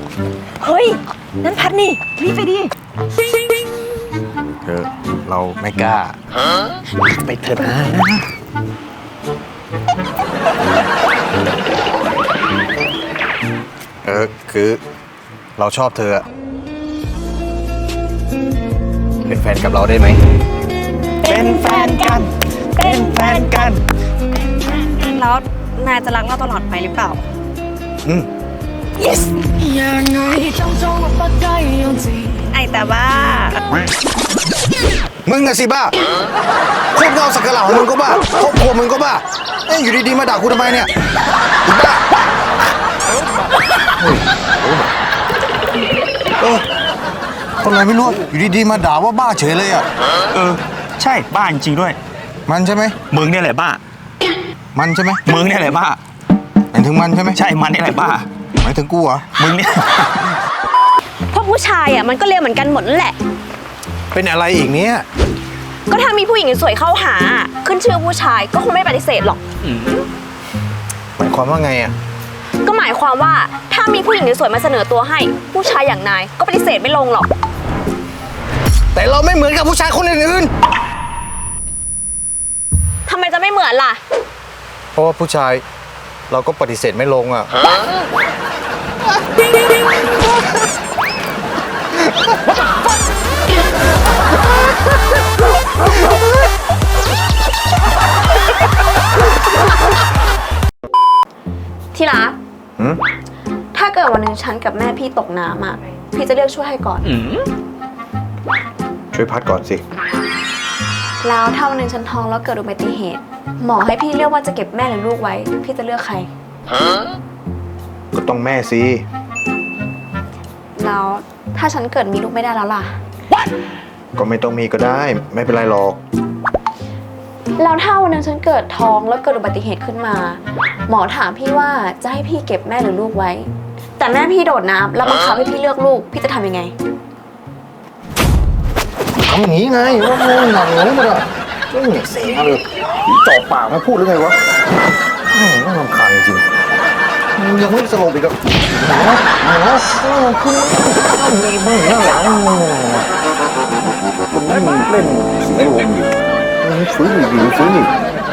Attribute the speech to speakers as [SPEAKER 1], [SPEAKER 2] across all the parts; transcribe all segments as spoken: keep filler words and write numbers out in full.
[SPEAKER 1] เฮ้ยนั่นพัดนี่รีบไปดิ
[SPEAKER 2] เธอเราไม่กล้าไปเถอะนะเออคือเราชอบเธอเป็นแฟนกับเราได้ไหมเป็นแฟนกันเป็นแฟนกัน
[SPEAKER 1] แล้วนายจะรักเราตลอดไปหรือเปล่า
[SPEAKER 2] อืม
[SPEAKER 1] yes ไอแต่ว่า
[SPEAKER 2] มึงอะสิบ้าคบเงาสักกะเหล่ามึงก็บ้าครอบครัวมึงก็บ้าเอ้ยอยู่ดีๆมาด่ากูทำไมเนี่ยอีบ้าเออคนอะไรไม่รู้อยู่ดีๆมาด่าว่าบ้าเฉยเลยอ่ะ
[SPEAKER 3] เออใช่บ้าจริงด้วย
[SPEAKER 2] มันใช่ไหม
[SPEAKER 3] มึงเนี่ยแหละบ้า
[SPEAKER 2] มันใช่ไหม
[SPEAKER 3] มึงเนี่ยแหละบ้า
[SPEAKER 2] หมายถึงมันใช่ไหม
[SPEAKER 3] ใช่มันนี่แหละบ้า
[SPEAKER 2] หมายถึงกูเหรอ
[SPEAKER 3] มึงเนี่ย
[SPEAKER 1] พวกผู้ชายอ่ะมันก็เลวเหมือนกันหมดนั่นแหละ
[SPEAKER 2] เป็นอะไรอีกเนี้ย
[SPEAKER 1] ก็ถ้ามีผู้หญิงสวยเข้าหาขึ้นชื่อผู้ชายก็คงไม่ปฏิเสธหรอก
[SPEAKER 2] หมายความว่าไงอ่ะ
[SPEAKER 1] ก็หมายความว่าถ้ามีผู้หญิงสวยมาเสนอตัวให้ผู้ชายอย่างนายก็ปฏิเสธไม่ลงหรอก
[SPEAKER 2] แต่เราไม่เหมือนกับผู้ชายคนอื่น
[SPEAKER 1] ทำไมจะไม่เหมือนล่ะ
[SPEAKER 2] เพราะว่าผู้ชายเราก็ปฏิเสธไม่ลงอ่ะ
[SPEAKER 1] ที่รักถ้าเกิดวันหนึ่งฉันกับแม่พี่ตกน้ำอ่ะพี่จะเลือกช่วยให้ก่อน
[SPEAKER 2] ช่วยพัดก่อนสิ
[SPEAKER 1] แล้วถ้าวันหนึ่งฉันท้องแล้วเกิดอุบัติเหตุหมอให้พี่เลือกว่าจะเก็บแม่หรือลูกไว้พี่จะเลือกใคร
[SPEAKER 2] ก็ต้องแม่สิ
[SPEAKER 1] แล้วถ้าฉันเกิดมีลูกไม่ได้แล้วล่ะ
[SPEAKER 2] ก็ไม่ต้องมีก็ได้ไม่เป็นไรหรอก
[SPEAKER 1] แล้วถ้าวันนึงฉันเกิดท้องแล้วเกิดอุบัติเหตุขึ้นมาหมอถามพี่ว่าจะให้พี่เก็บแม่หรือลูกไว้แต่แม่พี่โดดน้ำแล้วบังคับให้พี่เลือกลูกพี่จะทำยังไง
[SPEAKER 2] ทำอย่างนี้ไงว่าโง่หนังเลยมันอะไม่เหนียเสียเลยจ่อปากมาพูดหรือไงวะน่ารำคาญจริงยังไม่สลบอีกอ่ะหนาวหนาวคือมีบ้างหน้าหลังคนนี้เล่นสีลมอยู่ฟื้นอยู่ฟื้นอยู่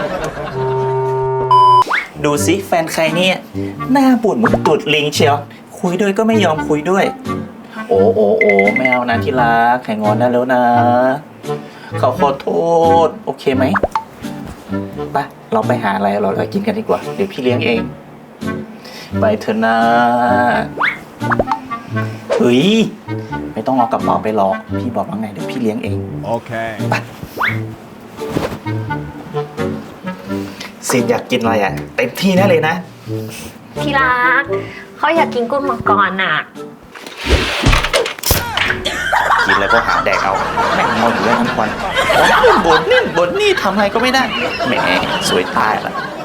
[SPEAKER 3] ดูสิแฟนใครเนี่ยหน้าบุ่นเหมือนตุดลิงเชียวคุยด้วยก็ไม่ยอมคุยด้วยโอ้โอ้โอ้แมวนะที่รักแข่งงอนได้แล้วนะเขาขอโทษโอเคไหมไปเราไปหาอะไรเราเรากินกันดีกว่าเดี๋ยวพี่เลี้ยงเองไปเถอะนะเฮ้ยไม่ต้องเอากระเป๋าไปหรอกพี่บอกว่าไงเดี๋ยวพี่เลี้ยงเองโอเคไปซีนอยากกินอะไรอ่ะเต็มที่แน่เลยนะ
[SPEAKER 1] ที่รักเขาอยากกินกุ้งมังกรน่ะ
[SPEAKER 3] กินแล้วก็หาแดกเอาแม่งเอาอยู่ได้ทั้งวันบนนี่บนนี่ทำอะไรก็ไม่ได้แหมสวยตายละ